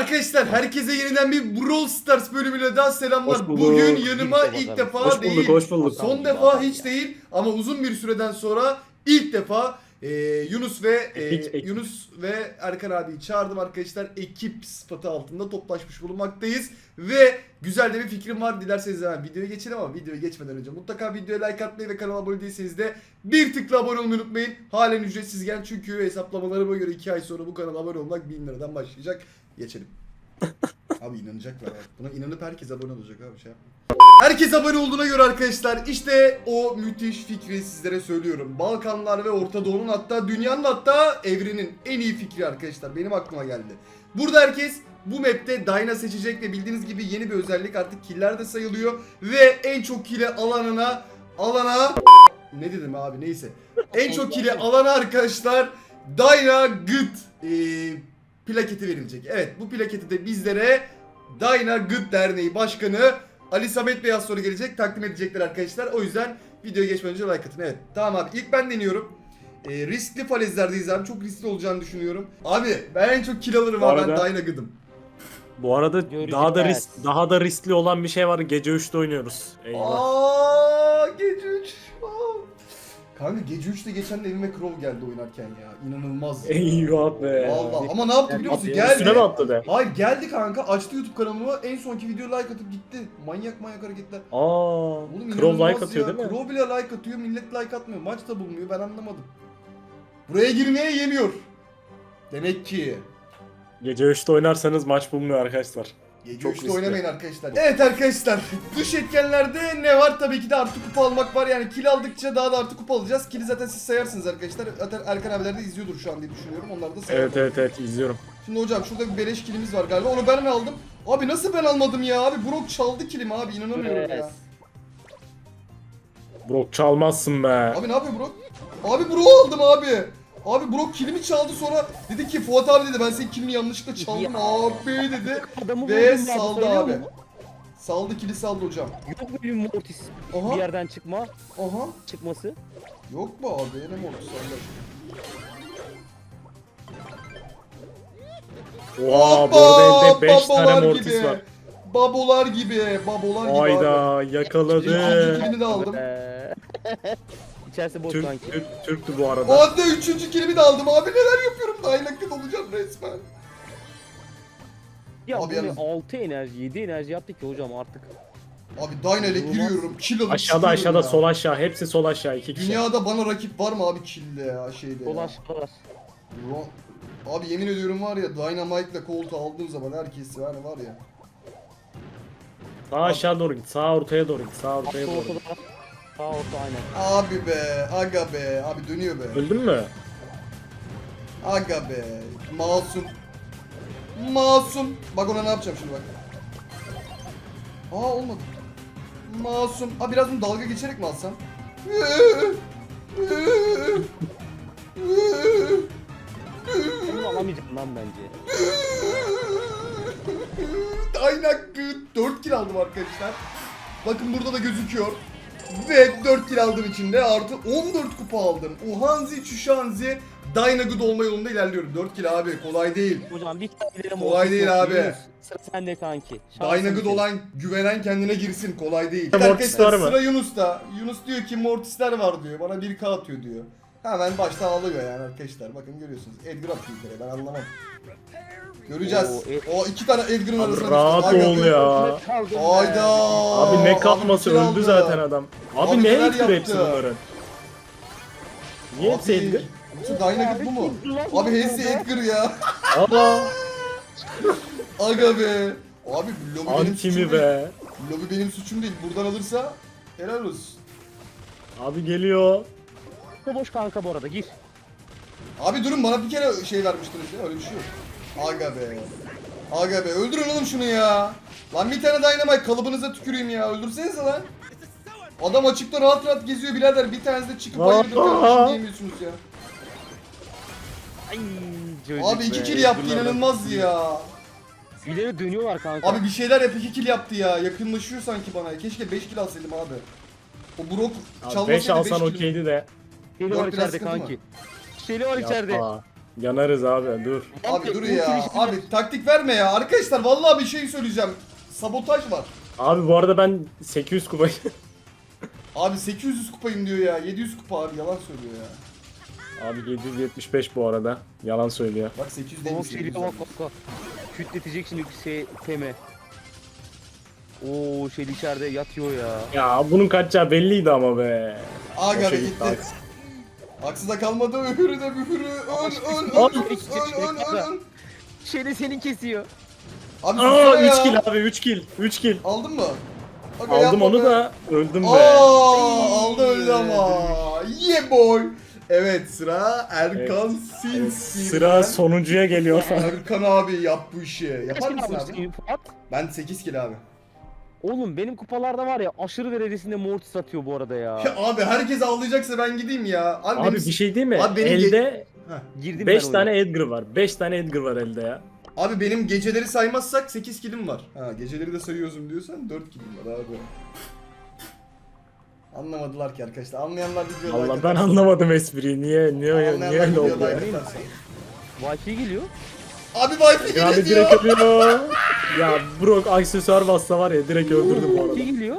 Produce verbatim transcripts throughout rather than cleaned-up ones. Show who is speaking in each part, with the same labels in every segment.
Speaker 1: Arkadaşlar herkese yeniden bir Brawl Stars bölümüyle daha selamlar. Bugün yanıma ilk, ilk defa
Speaker 2: hoş
Speaker 1: değil,
Speaker 2: bulduk, hoş bulduk.
Speaker 1: son defa hiç değil ama uzun bir süreden sonra ilk defa e, Yunus ve e,
Speaker 2: Ekip, ekip.
Speaker 1: Yunus ve Erkan abiyi çağırdım arkadaşlar. Ekip sıfatı altında toplaşmış bulunmaktayız ve güzel de bir fikrim var. Dilerseniz hemen videoya geçelim ama videoya geçmeden önce mutlaka videoya like atmayı ve kanala abone değilseniz de bir tıkla abone olmayı unutmayın. Halen ücretsizken çünkü hesaplamalarıma göre iki ay sonra bu kanala abone olmak bin liradan başlayacak. Geçelim. Abi inanacaklar bak. Buna inanıp herkes abone olacak abi şey yapma. Herkes abone olduğuna göre arkadaşlar işte o müthiş fikri sizlere söylüyorum. Balkanlar ve Orta Doğu'nun hatta dünyanın hatta evrenin en iyi fikri arkadaşlar. Benim aklıma geldi. Burada herkes bu map'te Dyna seçecek ve bildiğiniz gibi yeni bir özellik artık killer de sayılıyor. Ve en çok kill'i alanına alana ne dedim abi neyse. En çok kill'i alana arkadaşlar Dyna Good ee, plaketi verilecek. Evet bu plaketi de bizlere Dyna Good Derneği Başkanı Ali Samet Bey az sonra gelecek takdim edecekler arkadaşlar. O yüzden videoya geçmeden önce like atın. Evet tamam abi ilk ben deniyorum. Ee, riskli falezlerdeyiz abi. Çok riskli olacağını düşünüyorum. Abi ben en çok kill alırım abi. Ben Dyna Good'um.
Speaker 2: Bu arada
Speaker 3: Göreceğiz.
Speaker 2: daha da risk, daha da riskli olan bir şey var. Gece üçte oynuyoruz. Eyvah.
Speaker 1: Aa gece üç. Kanka gece üçte geçen de evime Crow geldi oynarken ya. İnanılmaz.
Speaker 2: Eyvah be.
Speaker 1: Vallahi ama ne yaptı biliyor musun?
Speaker 2: At-
Speaker 1: Geldi.
Speaker 2: Üstüne mi atladı?
Speaker 1: Hayır geldi kanka açtı YouTube kanalımı en sonki video like atıp gitti. Manyak manyak hareketler.
Speaker 2: Aa,
Speaker 1: Oğlum
Speaker 2: Crow
Speaker 1: inanılmaz
Speaker 2: like atıyor
Speaker 1: ya.
Speaker 2: değil mi?
Speaker 1: Crow bile like atıyor millet like atmıyor. Maç da bulmuyor ben anlamadım. Buraya girmeye yemiyor. Demek ki.
Speaker 2: Gece üçte oynarsanız maç bulmuyor arkadaşlar.
Speaker 1: Gece
Speaker 2: Çok
Speaker 1: üçte
Speaker 2: riskli.
Speaker 1: oynamayın arkadaşlar. Evet arkadaşlar dış etkenlerde ne var? Tabii ki de artı kupa almak var. Yani kill aldıkça daha da artı kupa alacağız. Kill'i zaten siz sayarsınız arkadaşlar. Zaten Erkan abiler de izliyordur şu an diye düşünüyorum. Onlar da sayarlar.
Speaker 2: Evet evet evet izliyorum.
Speaker 1: Şimdi hocam şurada bir beleş killimiz var galiba. Onu ben mi aldım? Abi nasıl ben almadım ya? Abi Brock çaldı killimi abi inanamıyorum ya.
Speaker 2: Brock çalmazsın be.
Speaker 1: Abi ne yapıyor Brock? Abi Brock aldım abi. Abi Brock killimi çaldı sonra dedi ki Fuat abi dedi ben senin killini yanlışlıkla çaldım
Speaker 3: Ya.
Speaker 1: abi dedi.
Speaker 3: Adamı
Speaker 1: Ve
Speaker 3: vurdum ya,
Speaker 1: saldı
Speaker 3: sayılıyor
Speaker 1: abi.
Speaker 3: mu?
Speaker 1: Saldı kili saldı hocam.
Speaker 3: Yok mu bir Mortis
Speaker 1: Aha.
Speaker 3: bir yerden çıkma
Speaker 1: Aha.
Speaker 3: çıkması?
Speaker 1: Yok mu abi? Ne mi oldu saldı?
Speaker 2: Oha bu arada elde beş tane
Speaker 1: babalar
Speaker 2: mortis
Speaker 1: gibi.
Speaker 2: var.
Speaker 1: Babolar gibi. Babolar gibi abi.
Speaker 2: Ayda
Speaker 1: İkinci
Speaker 2: yakaladı.
Speaker 1: kilimi de aldım.
Speaker 3: Eee, İçerisi boş
Speaker 2: Türk,
Speaker 3: sanki.
Speaker 2: Türk, Türktü bu arada.
Speaker 1: Hadi üçüncü kilimi de aldım abi neler yapıyorum daha inakit olacağım resmen.
Speaker 3: Ya
Speaker 1: Abi
Speaker 3: bu ne
Speaker 1: yalnız-
Speaker 3: altı enerji yedi enerji yaptık ki hocam artık.
Speaker 1: Abi Dyna ile giriyorum kill alıp
Speaker 2: Aşağıda
Speaker 1: çıkıyorum
Speaker 2: aşağıda
Speaker 1: ya.
Speaker 2: sol aşağı hepsi sol aşağı iki kişi.
Speaker 1: Dünyada bana rakip var mı abi kill'de ya şeyde ya.
Speaker 3: Dolaştılar.
Speaker 1: Ro- Abi yemin ediyorum var ya Dynamite'la koltuğu aldığım zaman herkes yani var ya.
Speaker 2: Sağ aşağı doğru git. Sağ ortaya doğru git. Sağ ortaya
Speaker 3: Sağ
Speaker 2: doğru
Speaker 3: ortada.
Speaker 2: git.
Speaker 3: Sağ orta aynen.
Speaker 1: Abi be aga be abi dönüyor be.
Speaker 2: Öldün mü?
Speaker 1: Aga be masum. Masum. Bak ona ne yapacağım şimdi bak. Aa olmadı. Masum. Aa biraz bunu dalga geçerek mi alsam?
Speaker 3: Bunu alamayacağım lan bence.
Speaker 1: Aynak dört kill aldım arkadaşlar. Bakın burada da gözüküyor. Ve dört kill aldığım için de artı on dört kupa aldım. Uhanzi Çüşanzi Dyna Good olma yolunda ilerliyorum. dört kill abi kolay değil.
Speaker 3: Hocam bir tane
Speaker 1: Kolay değil abi.
Speaker 3: Yunus, sıra sende kanki. Şansın
Speaker 1: Dyna Good
Speaker 3: senin.
Speaker 1: olan güvenen kendine girsin kolay değil.
Speaker 2: Mortis
Speaker 1: Arkadaşlar
Speaker 2: var mı?
Speaker 1: sıra Yunus'ta. Yunus diyor ki Mortisler var diyor. Bana bir K atıyor diyor. Hemen başta ağlıyor yani arkadaşlar. Bakın görüyorsunuz. Edgar atıyor bir kere ben anlamam. Göreceğiz.
Speaker 3: Oo, Ed-
Speaker 1: O iki tane Edgar'ın
Speaker 2: Abi
Speaker 1: arasında.
Speaker 2: rahat
Speaker 1: Aga
Speaker 2: ol
Speaker 1: be.
Speaker 2: ya.
Speaker 3: Kaldım be.
Speaker 1: Hayda.
Speaker 2: Abi ne kalması
Speaker 1: Abi
Speaker 2: öldü
Speaker 1: aldı.
Speaker 2: zaten adam. Abi,
Speaker 1: Abi
Speaker 2: ne
Speaker 1: neler
Speaker 2: ettir hepsi
Speaker 1: yaptı?
Speaker 2: bunların? Niye hepsi
Speaker 1: Abi,
Speaker 2: Edgar?
Speaker 1: Yoksa Dyna Good bu mu? Abi hepsi Edgar ya.
Speaker 2: Aa,
Speaker 1: Aga be. Abi lobi benim suçum
Speaker 2: antimi
Speaker 1: değil.
Speaker 2: be.
Speaker 1: Lobi benim suçum değil. Buradan alırsa helal olsun.
Speaker 2: Abi geliyor.
Speaker 3: Boş kanka bu arada gir.
Speaker 1: Abi durun bana bir kere şey vermiştiniz ya öyle bir şey yok. Aga be. Aga be öldürün oğlum şunu ya. Lan bir tane Dynamite kalıbınıza tüküreyim ya öldürsenize lan. Adam açıkta rahat rahat geziyor birader bir tanesi de çıkıp hayırdır kardeşim diyemiyorsunuz ya.
Speaker 3: Ay, çocuk
Speaker 1: Abi iki
Speaker 3: be.
Speaker 1: kill yaptı
Speaker 3: Bunlardan-
Speaker 1: inanılmaz ya.
Speaker 3: İleri dönüyorlar kanka.
Speaker 1: Abi bir şeyler yap iki kill yaptı ya yakınlaşıyor sanki bana. Keşke beş kill alsaydım abi. O Brock
Speaker 2: Abi
Speaker 1: çalmasaydı
Speaker 2: beş alsan
Speaker 1: kill-
Speaker 2: okeydi de.
Speaker 3: Şeli var
Speaker 1: Dört biraz
Speaker 3: içeride
Speaker 1: sıkıntı
Speaker 3: kanki. Şeli var içeride.
Speaker 2: Yapma. Yanarız abi dur.
Speaker 1: Abi dur ya. Abi taktik verme ya. Arkadaşlar vallahi bir şey söyleyeceğim. Sabotaj var.
Speaker 2: Abi bu arada ben sekiz yüz kupayım.
Speaker 1: Abi sekiz yüz kupayım diyor ya. yedi yüz kupa abi yalan söylüyor ya.
Speaker 2: Abi yedi yüz yetmiş beş bu arada. Yalan söylüyor.
Speaker 1: Bak sekiz yüz
Speaker 3: Bak
Speaker 1: değilmiş.
Speaker 3: geliyor
Speaker 1: yedi yüz
Speaker 3: bak bak bak. Kütletecek şimdi şey teme. Oo şey içeride yatıyor ya.
Speaker 2: Ya bunun kaçacağı belliydi ama be.
Speaker 1: Aga
Speaker 2: Boşa
Speaker 1: be
Speaker 2: gitti,
Speaker 1: gitti.
Speaker 2: haksız.
Speaker 1: Haksıza kalmadı öhürü de bühürü. Öl öl öl
Speaker 3: Abi,
Speaker 1: öl
Speaker 3: geç, geç,
Speaker 1: öl öl öl.
Speaker 3: Şeyde senin kesiyor.
Speaker 1: Abi
Speaker 2: Aa
Speaker 1: sussana ya.
Speaker 2: üç kill abi üç kill. üç kill.
Speaker 1: Aldın mı? Aga,
Speaker 2: Aldım
Speaker 1: yapma
Speaker 2: onu
Speaker 1: be.
Speaker 2: da öldüm be.
Speaker 1: Aa, aldı öldü ama. Yeah boy. Evet sıra Erkan
Speaker 2: Evet,
Speaker 1: Sinsi.
Speaker 2: sıra sonuncuya geliyor.
Speaker 1: Erkan abi yap bu işi. Yapar
Speaker 3: Kaç
Speaker 1: mısın
Speaker 3: kilo
Speaker 1: abi?
Speaker 3: almışsın Fuat?
Speaker 1: Ben sekiz kilo abi.
Speaker 3: Oğlum benim kupalarda var ya aşırı derecesinde mortis atıyor bu arada ya.
Speaker 1: Ya abi herkes ağlayacaksa ben gideyim ya. Abi,
Speaker 2: Abi
Speaker 1: benim-
Speaker 2: bir şey değil mi?
Speaker 1: Abi benim
Speaker 2: Elde
Speaker 1: Heh.
Speaker 3: Girdim
Speaker 2: beş
Speaker 3: ben
Speaker 2: tane
Speaker 3: oyuna.
Speaker 2: Edgar var. beş tane Edgar var elde ya.
Speaker 1: Abi benim geceleri saymazsak sekiz kilim var. Ha geceleri de sayıyorsun diyorsan dört kilim var abi. Anlamadılar ki arkadaşlar. Anlayanlar videoda
Speaker 2: Allah ben anlamadım espriyi. Niye niye niye
Speaker 1: Anlayanlar
Speaker 2: öyle oldu
Speaker 1: videoda
Speaker 2: ya?
Speaker 1: arkadaşlar.
Speaker 3: Wi-Fi geliyor.
Speaker 1: Abi Wi-Fi
Speaker 2: Ya abi
Speaker 1: geliyor.
Speaker 2: direkt ölüyor. Ya Brock aksesuar bassa var ya direkt öldürdüm bu arada.
Speaker 3: Wi-Fi geliyor.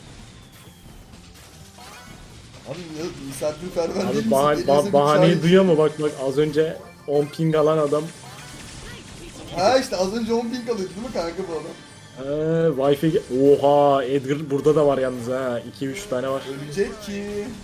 Speaker 1: Abi ne misafirperver değil
Speaker 2: Abi
Speaker 1: misin?
Speaker 2: bah
Speaker 1: Geliyorsa
Speaker 2: bah
Speaker 1: bir
Speaker 2: bahaneyi
Speaker 1: çay-
Speaker 2: duyuyor mu? Bak bak az önce on ping alan adam.
Speaker 1: Ha işte az önce on ping alıyordu değil mi kanka bu adam?
Speaker 2: Ee, Wi-Fi ge- Oha Edgar burada da var yalnız ha. iki üç tane var.
Speaker 1: Ölecek ki.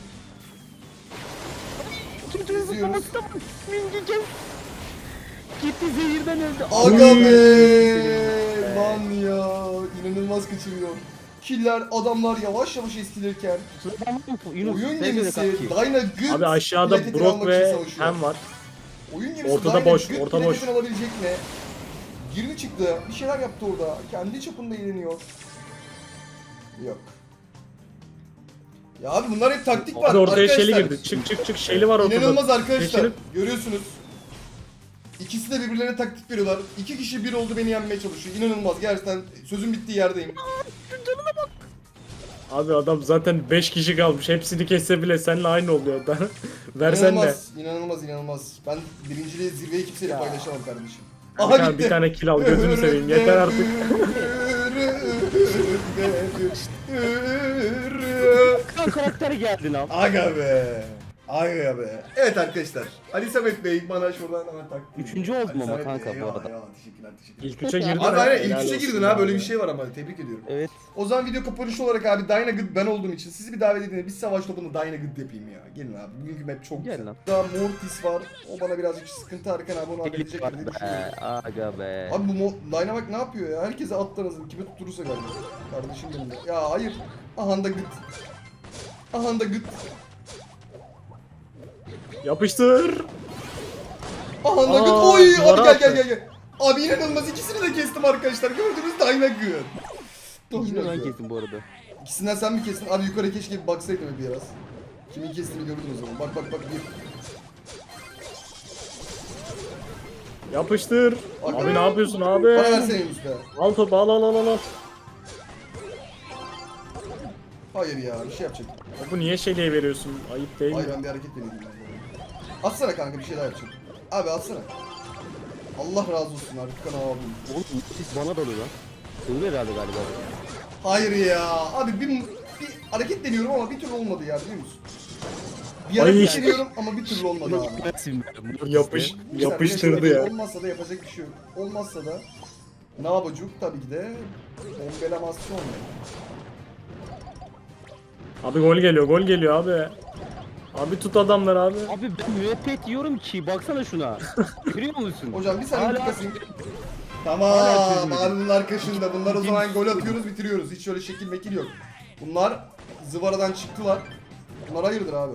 Speaker 3: Kimse
Speaker 1: İzliyoruz.
Speaker 3: zıplaması da var. Mingi gel. Gitti zehirden öldü.
Speaker 1: Aga
Speaker 2: Uy.
Speaker 1: be lan ya inanılmaz kaçırıyor. Killer adamlar yavaş yavaş eskilirken
Speaker 3: Sıradan var mı? Yunus,
Speaker 1: oyun
Speaker 3: sen söyle
Speaker 1: gemisi
Speaker 3: kanki.
Speaker 1: Dyna Good
Speaker 2: Abi aşağıda
Speaker 1: biletini
Speaker 2: Brock
Speaker 1: almak
Speaker 2: ve
Speaker 1: için savaşıyor.
Speaker 2: Hem var.
Speaker 1: Oyun gemisi
Speaker 2: Ortada
Speaker 1: Dyna
Speaker 2: boş,
Speaker 1: Good
Speaker 2: orta
Speaker 1: biletini
Speaker 2: boş.
Speaker 1: alabilecek mi? Girdi çıktı bir şeyler yaptı orada kendi çapında eğleniyor. Yok. Ya abi bunlar hep taktik var
Speaker 2: Abi ortaya
Speaker 1: arkadaşlar.
Speaker 2: Shelly girdi. Çık çık çık Shelly var ortada.
Speaker 1: İnanılmaz arkadaşlar.
Speaker 2: Geçelim.
Speaker 1: Görüyorsunuz. İkisi de birbirlerine taktik veriyorlar. İki kişi bir oldu beni yenmeye çalışıyor. İnanılmaz. Gerçekten sözün bittiği yerdeyim.
Speaker 2: Abi adam zaten beş kişi kalmış. Hepsini kesse bile seninle aynı oluyor. Versen ne?
Speaker 1: İnanılmaz, inanılmaz, inanılmaz. Ben birinciliği zirveyi kimseyle
Speaker 3: Ya.
Speaker 1: paylaşamam kardeşim.
Speaker 2: Bir tane, bir tane kill al gözünü seveyim. Yeter artık.
Speaker 3: Kan karakteri geldi lan.
Speaker 1: Aga be. Aga be. Evet arkadaşlar. Ali Samet Bey bana şuradan hemen tak.
Speaker 3: Üçüncü oldum
Speaker 1: Ali
Speaker 3: ama
Speaker 1: Samet
Speaker 3: kanka
Speaker 1: Bey,
Speaker 3: bu
Speaker 1: eyvallah,
Speaker 3: arada.
Speaker 1: eyvallah. Teşekkürler, teşekkürler.
Speaker 2: İlk üçe girdin.
Speaker 1: Abi
Speaker 2: ha,
Speaker 1: aynen ilk
Speaker 2: helal
Speaker 1: üçe
Speaker 2: olsun
Speaker 1: girdin
Speaker 2: ya.
Speaker 1: ha böyle bir şey var ama tebrik ediyorum.
Speaker 3: Evet.
Speaker 1: O zaman video kapanışı olarak abi Dyna Good ben olduğum için sizi bir davet edin. Biz savaş topunda Dyna Good yapayım ya. Gelin abi. Bugünkü map çok
Speaker 3: Gel
Speaker 1: güzel.
Speaker 3: lan.
Speaker 1: Daha Mortis var. O bana birazcık sıkıntı Erkan abi onu halledecek
Speaker 3: Delik var
Speaker 1: diye
Speaker 3: be.
Speaker 1: düşünüyorum.
Speaker 3: Aga be.
Speaker 1: Abi bu Mo- Dyna bak ne yapıyor ya? Herkese attan hazır. Kime tutturursa galiba. Kardeşim benim de. Ya hayır. Ahanda Good. Ahanda Good.
Speaker 2: Yapıştır.
Speaker 1: Ahanda
Speaker 2: Aa,
Speaker 1: Good. Oy abi
Speaker 2: duvara
Speaker 1: gel gel
Speaker 2: attı.
Speaker 1: gel gel. Abi inanılmaz ikisini de kestim arkadaşlar. Gördünüz Dyna Good.
Speaker 3: İkisini
Speaker 1: Dyna
Speaker 3: ben
Speaker 1: Good.
Speaker 3: kestim bu arada.
Speaker 1: İkisinden sen mi kestin? Abi yukarı keşke bir baksaydın bir biraz. Kimin kestiğini gördün o zaman. Bak bak bak bir.
Speaker 2: Yapıştır.
Speaker 1: Bak,
Speaker 2: Abi
Speaker 1: bak.
Speaker 2: ne yapıyorsun abi?
Speaker 1: Bana versene Yunus be.
Speaker 2: Al topu al al al al. al.
Speaker 1: Hayır ya bir şey yapacak.
Speaker 2: Topu niye Shelly'e veriyorsun? Ayıp değil mi?
Speaker 1: Hayır ben bir hareket deneyeyim. ben bu arada. Atsana kanka bir şey daha yapacağım. Abi atsana. Allah razı olsun Erkan abim.
Speaker 3: Oğlum siz bana dalıyor lan. Dalıyor herhalde galiba.
Speaker 1: Hayır ya. Abi bir, bir hareket deniyorum ama bir türlü olmadı ya biliyor musun? Bir hareket
Speaker 2: Ay.
Speaker 1: deniyorum ama bir türlü olmadı abi.
Speaker 3: Gitmesin be.
Speaker 2: Yapış,
Speaker 1: Bir saniye,
Speaker 2: yapıştırdı
Speaker 1: şöyle
Speaker 2: ya.
Speaker 1: Olmazsa da yapacak bir şey yok. Olmazsa da ne yapacak tabii ki de embelemasyon.
Speaker 2: Abi gol geliyor gol geliyor abi. Abi tut adamlar abi.
Speaker 3: Abi ben müebbet yiyorum ki baksana şuna. Görüyor musun?
Speaker 1: Hocam bir saniye
Speaker 3: Hala-
Speaker 1: bir kasayım.
Speaker 3: Hala
Speaker 1: Tamam,
Speaker 3: çözmedim.
Speaker 1: abinin arkasında. Bunlar o zaman gol atıyoruz, bitiriyoruz. Hiç öyle şekil mekil yok. Bunlar zıvaradan çıktılar. Bunlar hayırdır abi.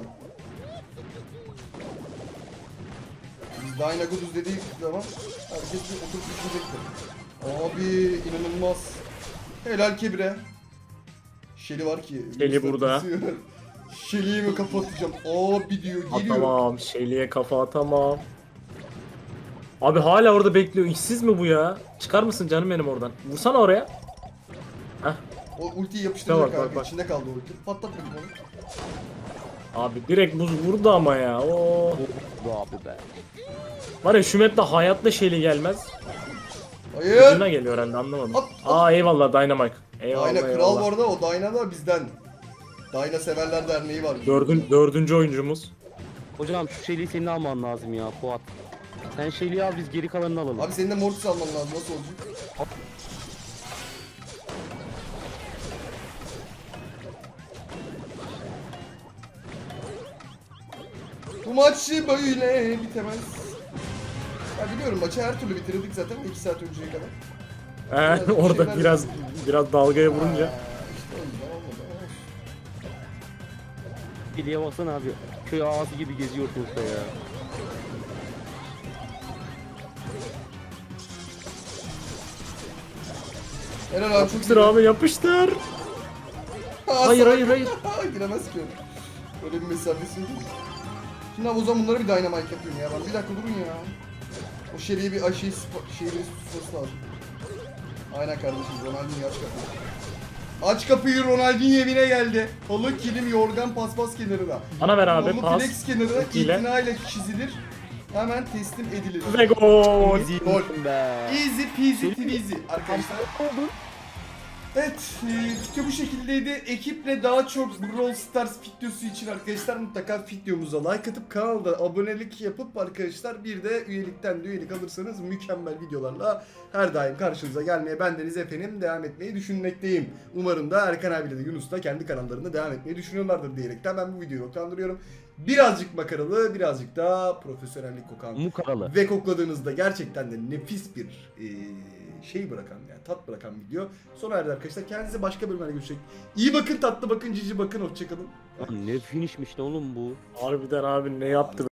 Speaker 1: Biz Dyna Good'uz dediği zaman herkes bir oturup düşünecektir. Abi inanılmaz. Helal Kebire. Shelly var ki.
Speaker 2: Shelly burada.
Speaker 1: Shelly'yi mi kapatacağım? Abi diyor geliyor.
Speaker 2: Atamam. Shelly'e kafa atamam. Abi hala orada bekliyor. İşsiz mi bu ya? Çıkar mısın canım benim oradan? Vursana oraya. Heh.
Speaker 1: O ultiyi yapıştıracak
Speaker 2: Bak, bak,
Speaker 1: abi.
Speaker 2: bak.
Speaker 1: İçinde kaldı o ulti. Patlat bakayım onu.
Speaker 2: Abi direkt buz vurdu ama ya. Oo.
Speaker 3: Bu abi be.
Speaker 2: Var ya şu map'te hayatta şeyli gelmez.
Speaker 1: Hayır.
Speaker 2: Ucuna geliyor herhalde anlamadım.
Speaker 1: At, at.
Speaker 2: Aa eyvallah Dynamite. Eyvallah
Speaker 1: Dyna kral bu
Speaker 2: eyvallah.
Speaker 1: arada, o Dyna da bizden. Dyna Severler Derneği var.
Speaker 2: Dördün, dördüncü oyuncumuz.
Speaker 3: Hocam şu şeyliği senin alman lazım ya Fuat. Sen şeyliği al biz geri kalanını alalım.
Speaker 1: Abi senin de Mortis alman lazım, nasıl olacak? Bu maç böyle bitemez. Ya biliyorum, maçı her türlü bitirdik zaten iki saat önceye kadar.
Speaker 2: Ee,
Speaker 1: Biraz bir
Speaker 2: orada
Speaker 1: şeyler
Speaker 2: biraz
Speaker 1: yapayım.
Speaker 2: biraz dalgaya
Speaker 1: Ha,
Speaker 2: vurunca.
Speaker 1: işte o yüzden olmadı ama olsun.
Speaker 3: Şeyliğe baksana abi. Köy ağası gibi geziyor ortalıkta ya.
Speaker 1: Helal abi, çok
Speaker 2: Yapıştır abi yapıştır. Hayır hayır hayır.
Speaker 1: Giremez ki. Böyle bir mesafesi yok. Şimdi abi o zaman bunları bir dynamite yapıyorum ya ben. Bir dakika durun ya. O şeriye bir aşıyı şeyi bir tutması lazım. Aynen kardeşim, Ronaldinho aç kapıyı. Aç kapıyı, Ronaldinho evine geldi. Halı, kilim, yorgan, paspas kenarına.
Speaker 2: Bana ver abi
Speaker 1: Halı,
Speaker 2: pas.
Speaker 1: flex kenarına
Speaker 2: Ultiyle.
Speaker 1: itinayla çizilir. Hemen teslim edilir.
Speaker 2: Ve gol.
Speaker 3: Easy
Speaker 1: Gol.
Speaker 3: be.
Speaker 1: Easy peasy twizy arkadaşlar.
Speaker 3: Oldu.
Speaker 1: Evet, e, video bu şekildeydi. Ekiple daha çok Brawl Stars videosu için arkadaşlar mutlaka videomuza like atıp kanalda abonelik yapıp arkadaşlar bir de üyelikten de üyelik alırsanız mükemmel videolarla her daim karşınıza gelmeye bendeniz efendim devam etmeyi düşünmekteyim. Umarım da Erkan abiyle de Yunus da kendi kanallarında devam etmeyi düşünüyorlardır diyerekten ben bu videoyu noktalandırıyorum. Birazcık makaralı, birazcık daha profesyonellik kokan
Speaker 3: Mukaralı.
Speaker 1: ve kokladığınızda gerçekten de nefis bir e, şey bırakan yani tat bırakan video sona erdi arkadaşlar. Kendinize başka bölümlerde görüşecek. İyi bakın, tatlı bakın, cici bakın, hoşçakalın.
Speaker 3: Lan ne finishmiş lan oğlum bu.
Speaker 2: Harbiden abi ne yaptı